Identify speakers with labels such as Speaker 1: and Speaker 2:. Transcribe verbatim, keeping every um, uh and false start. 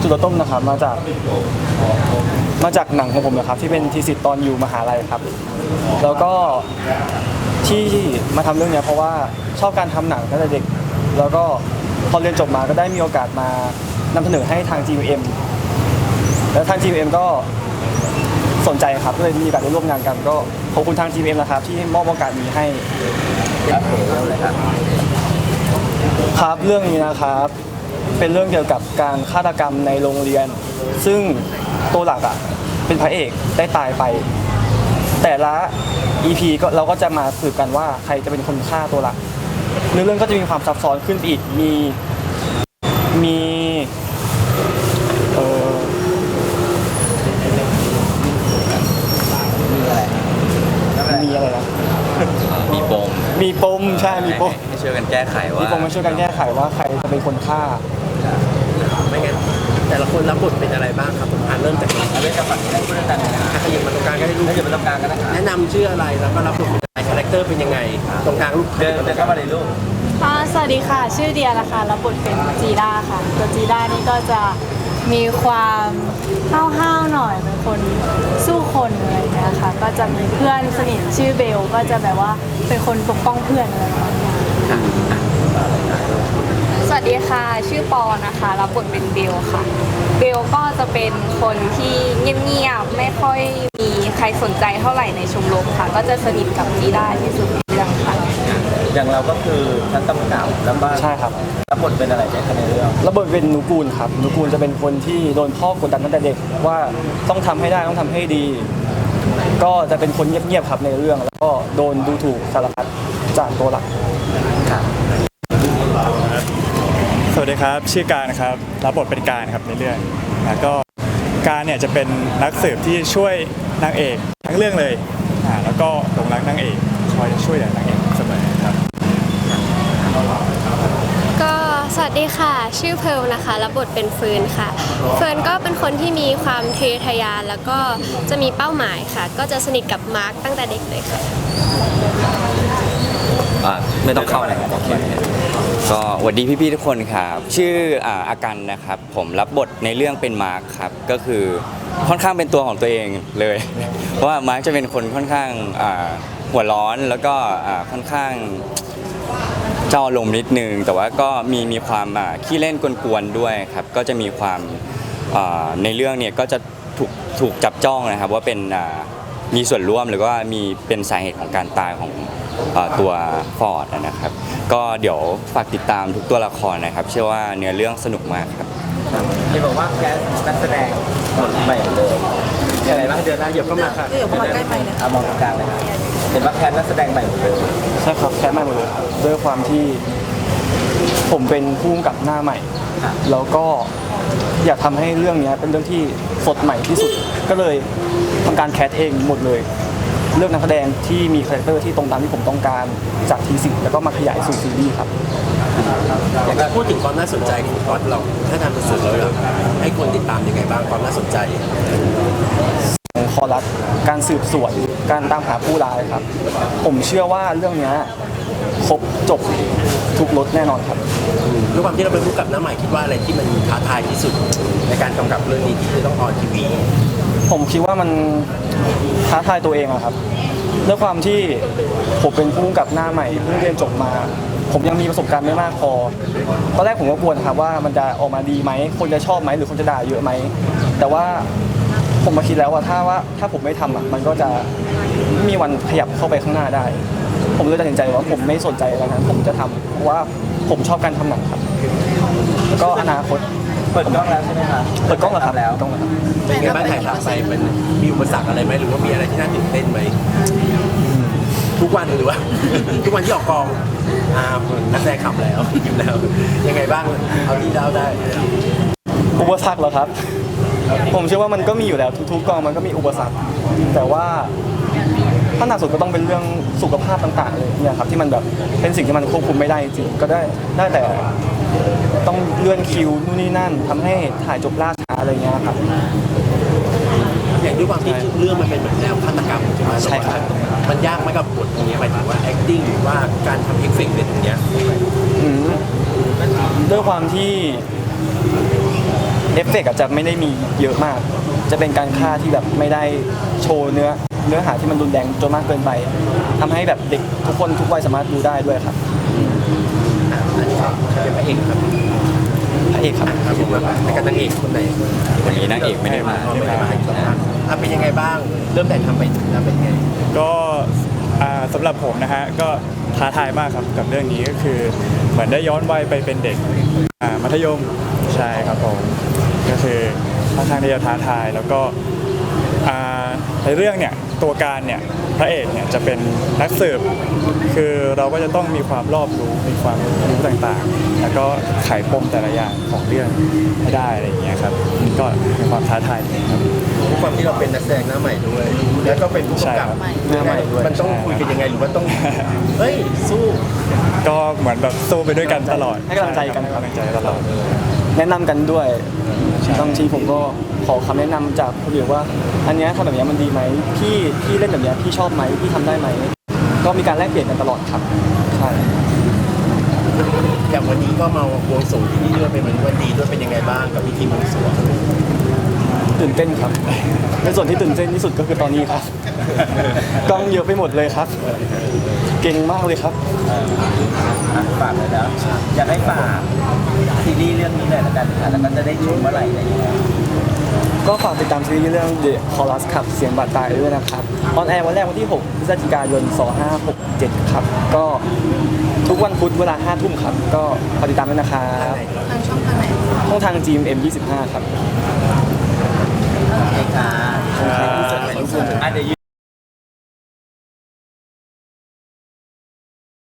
Speaker 1: จุดเริ่มต้นนะครับมาจากมาจากหนังของผมนะครับที่เป็นทีสิทธ์ตอนอยู่มหาลัยครับแล้วก็ที่มาทำเรื่องนี้เพราะว่าชอบการทำหนังตั้งแต่เด็กแล้วก็พอเรียนจบมาก็ได้มีโอกาสมานำเสนอให้ทาง จี เอ็ม แล้วทาง จี เอ็ม ก็สนใจครับก็เลยมีโอกาสได้ร่วมงานกันก็ขอบคุณทาง จี เอ็ม นะครับที่มอบโอกาสนี้ให้ครับครับเรื่องนี้นะครับเป็นเรื่องเกี่ยวกับการฆาตกรรมในโรงเรียนซึ่งตัวหลักอ่ะเป็นพระเอกได้ตายไปแต่ละ อี พี ก็เราก็จะมาสืบกันว่าใครจะเป็นคนฆ่าตัวหลักเนื้อเรื่องก็จะมีความซับซ้อนขึ้นไปอีกมีมีเออมีอะไรนะ
Speaker 2: มีปม
Speaker 1: มีปมใช่มีปม
Speaker 2: ให้ช่วยกันแก้ไขว่า
Speaker 1: มีปมมาช่วยกันแก้ไขว่าใครจะเป็นคนฆ่า
Speaker 3: ไม่งั้นแต่ละคนรับบทเป็นอะไรบ้างครับผมอ่านเริ่มจากนี้เริ่มจากฝั่งนี้ได้เริ่มจากไหนนะขยับมาตรงกลางก็ได้ลูกขยับมาตรงกลางก็ได้แนะนำชื่ออะไรแล้วก็รับบทเป็นอะไรคาแรคเตอร์เป็นยังไงตรงกลางลูกเดินเดินเข้ามาเลยลูก
Speaker 4: ค่ะสวัสดีค่ะชื่อเดียนะคะรับบทเป็นจีด้าค่ะตัวจีด้านี่ก็จะมีความห้าวๆหน่อยเป็นคนสู้คนอะไรอย่างเงี้ยค่ะก็จะมีเพื่อนสนิทชื่อเบลก็จะแบบว่าเป็นคนปกป้องเพื่อนอะไรอย่างเงี้ย
Speaker 5: สวัสดีค่ะชื่อปอนะคะรับบทเป็นเบลค่ะเบลก็จะเป็นคนที่เงียบๆไม่ค่อยมีใครสนใจเท่าไหร่ในชมรมค่ะก็จะสนิทกับจีด้าที่สุดในเรื่องค่ะ
Speaker 3: อย่างเราก็คือชั้นตำหนักแล้วก็
Speaker 1: ใช่ครับ
Speaker 3: รับบทเป็นอะไรในเรื่อง
Speaker 1: รับบทเป็นนุกูลครับนุกูลจะเป็นคนที่โดนพ่อกดดันตั้งแต่เด็กว่าต้องทำให้ได้ต้องทำให้ดีก็จะเป็นคนเงียบๆครับในเรื่องแล้วก็โดนดูถูกสารพัดจากตัวหลัก
Speaker 6: สวัสดีครับชื่อการนะครับรับบทเป็นการครับในเรื่องแล้วก็การเนี่ยจะเป็นนักสืบที่ช่วยนางเอกทั้งเรื่องเลยอ่าแล้วก็หลงรักนางเอกคอยช่วยเหลือนางเอกเสมอครับ
Speaker 7: ก็สวัสดีค่ะชื่อเพิร์ลนะคะรับบทเป็นเฟิร์นค่ะเฟิร์นก็เป็นคนที่มีความทะเยอทะยานแล้วก็จะมีเป้าหมายค่ะก็จะสนิทกับมาร์คตั้งแต่เด็กเลยค่ะ
Speaker 2: อ่าไม่ต้องเข้าเลยครับโอเคก็สวัสดีพี่ๆทุกคนครับชื่ออ่าอากันนะครับผมรับบทในเรื่องเป็นมาร์คครับก็คือค่อนข้างเป็นตัวของตัวเองเลยเพราะว่ามาร์คจะเป็นคนค่อนข้างอ่าหัวร้อนแล้วก็อ่าค่อนข้างเจ้าอารมณ์นิดนึงแต่ว่าก็มีมีความอ่าขี้เล่นกวนๆด้วยครับก็จะมีความอ่าในเรื่องเนี่ยก็จะถูกถูกจับจ้องนะครับว่าเป็นอ่ามีส่วนร่วมหรือว่ามีเป็นสาเหตุของการตายของตัวฟอร์ดนะครับก็เดี๋ยวฝากติดตามทุกตัวละครนะครับเชื่อว่าเนื้อเรื่องสนุกมากครับ
Speaker 3: ที่บอกว่าแคสนักแสดงหมดใหม่เลยอะไรบ้างเดือนหน้าเดี๋ยวเข้ามาค่ะ
Speaker 4: เดี๋ยวเข้ามาใกล้ไปนะ
Speaker 3: มองกลางเลยครับเห็นว่าแคสนักแสดงใหม่หมดเลย
Speaker 1: ใช่ครับแคสใหม่หมดเลยด้วยความที่ผมเป็นผู้กำกับหน้าใหม่แล้วก็อยากทำให้เรื่องนี้เป็นเรื่องที่สดใหม่ที่สุดก็เลยทำการแคสเองหมดเลยเลือกนักแสดงที่มีคาแรคเตอร์ที่ตรงตามที่ผมต้องการจากทีสิแล้วก็มาขยายสู่ซีรีส์ครับ
Speaker 3: อยากพูดถึงความน่าสนใจของก๊อตเราถ้าทำเป็นสื่อแล้วให้คนติดตามยังไงบ้างความน่าสนใจ
Speaker 1: คอรัสการสืบสวนการตามหาผู้ร้ายครับผมเชื่อว่าเรื่องนี้ครบจบทุกรสแน่นอนครับ
Speaker 3: ด้วยความที่เราเป็นผู้กำกับหน้าใหม่คิดว่าอะไรที่มันท้าทายที่สุดในการกำกับเรื่องนี้ที่จะต้องออนทีวี
Speaker 1: ผมคิดว่ามันท้าทายตัวเองอะครับด้วยความที่ผมเป็นผู้กำกับหน้าใหม่เพิ่งเรียนจบมาผมยังมีประสบการณ์ไม่มากพอตอนแรกผมก็กลัวนะครับว่ามันจะออกมาดีไหมคนจะชอบไหมหรือคนจะด่าเยอะไหมแต่ว่าผมมาคิดแล้วว่าถ้าว่าถ้าผมไม่ทำอะมันก็จะไม่มีวันขยับเข้าไปข้างหน้าได้ผมเลยตัดสินใจว่าผมไม่สนใจแล้วนะผมจะทำเพราะว่าผมชอบการทำหนังครับแล้วก็อนาคต
Speaker 3: เปิดกล้องแล้วใช่ไหมคะ
Speaker 1: เปิดกล้องแล้วครับแล้วกล้องแล้วครับ
Speaker 3: เป็นไงบ้างถ่ายทำไปมันมีอุปสรรคอะไรไหมหรือว่ามีอะไรที่น่าตื่นเต้นไหมทุกวันหรือว่าทุกวันที่ออกกองอ่านักแสดงขับแล้วอยู่แล้วยังไงบ้างเอาที่เล่าได้
Speaker 1: อุปสรรคเหรอครับผมเชื่อว่ามันก็มีอยู่แล้วทุกๆกองมันก็มีอุปสรรคแต่ว่าถ้าหนักสุดก็ต้องเป็นเรื่องสุขภาพต่างๆเลยเนี่ยครับที่มันแบบเป็นสิ่งที่มันควบคุมไม่ได้จริงก็ได้ได้แต่ต้องเลื่อนคิวนู่นนี่นั่นทำให้ถ่ายจบล่าช้าอะไรเงี้ยครับ
Speaker 3: อย่างด้วยความที่เรื่องมันเป็นแบบแนวฆาตกรรมใช่ไหม
Speaker 1: ใช่ครับ
Speaker 3: มันยากไหมกับบทตรงนี้หมายถึงว่า acting หรือว่าการทำเอฟเฟกต์แบบนี้
Speaker 1: ด้วยความที่เอฟเฟกต์อาจจะไม่ได้มีเยอะมาก จะเป็นการฆ่าที่แบบไม่ได้โชว์เนื้อเนื้อหาที่มันรุนแรงจนมากเกินไปทำให้แบบเด็กทุกคนทุกวัยสามารถดูได้ด้วยครับ
Speaker 3: อ่ะอันนี้เป็นพระเอกครับ
Speaker 1: พระเอกครับ
Speaker 3: ครับผมแล้วก็นางเอกคนไหน
Speaker 2: วันนี้นางเอกไม่ได้มา
Speaker 3: ไม่ได้มาอ่ะเป็นยังไงบ้าง เริ่มแต่ทำไปถึงแล้วเป็นยังไง
Speaker 6: ก็อ่าสำหรับผมนะฮะก็ท้าทายมากครับกับเรื่องนี้ก็คือเหมือนได้ย้อนวัยไปเป็นเด็กอ่ามัธยมใช่ครับผมก็คือค่อนข้างที่จะท้าทายแล้วก็อ่าในเรื่องเนี่ยตัวการเนี่ยพระเอกเนี่ยจะเป็นนักสืบคือเราก็จะต้องมีความรอบรู้มีความรู้ต่างๆ แล้วก็ไขปมแต่ละอย่างของเรื่องให้ได้อะไรอย่างเงี้ยครับก็มีความท้าทายครับ
Speaker 3: ด้วยความที่เราเป็นนักแสดงหน้าใหม่ด้วย แล้วก็เป็นผู้
Speaker 6: ใช่
Speaker 3: กำกับ
Speaker 6: ครับ
Speaker 1: หน้าใหม่ด้วย
Speaker 3: มันต้องคุยกันยังไงหรือว่าต้อง เฮ้ย สู้
Speaker 6: ก็เหมือนแบบสู้ไปด้วยกันตลอด
Speaker 1: ให้กำลังใจกัน
Speaker 6: ให้กำลังใจตลอด
Speaker 1: แนะนำกันด้วยบางทีผมก็ขอคำแนะนำจากคนอื่นว่า อันเนี้ยทำแบบเนี้ยมันดีไหมพี่พี่เล่นแบบเนี้ยพี่ชอบไหมพี่ทำได้ไหมก็มีการแลกเปลี่ยนกันตลอดครับใช่
Speaker 3: อย่างวันนี้ก็มาบวงสรวงที่นี่ด้วยเป็นวันดีด้วยเป็นยังไงบ้างกับพิธีบวงสรวง
Speaker 1: ตื่นเต้นครับในส่วนที่ตื่นเต้นที่สุดก็คือตอนนี้ครับกล้องเยอะไปหมดเลยครับ เก่งมากเลยครับ
Speaker 8: ฝากเลยนะอยากให้ฝากซีรีส์เรื่องนี้หน่อยละกันค่ะแล้วก็จะได้ชมเมื่อไหร่อะไรอย่างเงี้ย
Speaker 1: ก็ฝากติดตามซีรีส์เรื่อง The Chorus ครับเสียงบาดตายด้วยนะครับออนแอร์วันแรกวันที่ หก พฤศจิกายน สองพันห้าร้อยหกสิบเจ็ด ครับ ก็ทุกวันพุธเวลา ห้า ทุ่มครับ ก็ฝากติดตามด้วยนะครับ
Speaker 4: ทางช่องทางไหน
Speaker 1: ช่องทาง จี เอ็ม เอ็ม ยี่สิบห้า ครับ
Speaker 8: โอเคค่ะ
Speaker 1: ขอบคุณครับ
Speaker 8: อ่ะเดี๋ยว